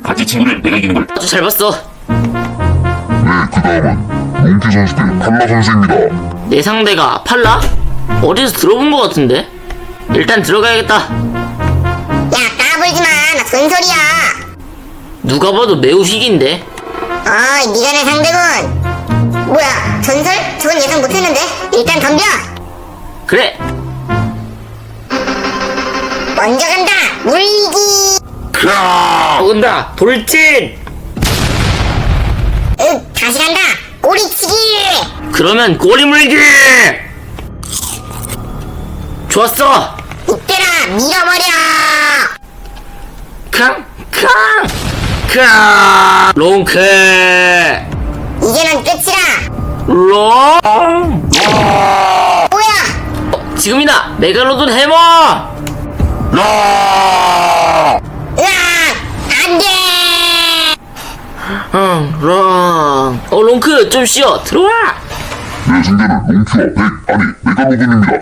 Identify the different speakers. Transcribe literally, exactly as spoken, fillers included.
Speaker 1: 같이 친구를 내가 이기는 걸.
Speaker 2: 아주 잘 봤어.
Speaker 3: 네, 그 다음은 롱키 선수 대 팔라 선수입니다.
Speaker 2: 내 상대가 팔라? 어디서 들어본 것 같은데? 일단 들어가야겠다.
Speaker 4: 야, 까불지마. 나 전설이야.
Speaker 2: 누가 봐도 매우 희귀인데?
Speaker 4: 어이, 니가 내 상대군. 뭐야, 전설? 저건 예상 못했는데? 일단 덤벼.
Speaker 2: 그래.
Speaker 4: 먼저 간다. 물기.
Speaker 1: 크아!
Speaker 2: 온다. 돌진.
Speaker 4: 윽, 다시 간다. 꼬리치기.
Speaker 2: 그러면 꼬리 물기. 좋았어.
Speaker 4: 이때라, 밀어버려.
Speaker 2: 캉, 캉, 캉. 롱크.
Speaker 4: 이제는 끝이라.
Speaker 2: 롱.
Speaker 4: 뭐야?
Speaker 2: 지금이다. 메갈로돈 해머.
Speaker 1: 야!
Speaker 4: 으악! 안 돼!
Speaker 2: 응, 롱. 어, 롱크 좀 쉬어. 들어와.
Speaker 3: 내 상대는 롱키와 백, 아니 메갈로돈입니다.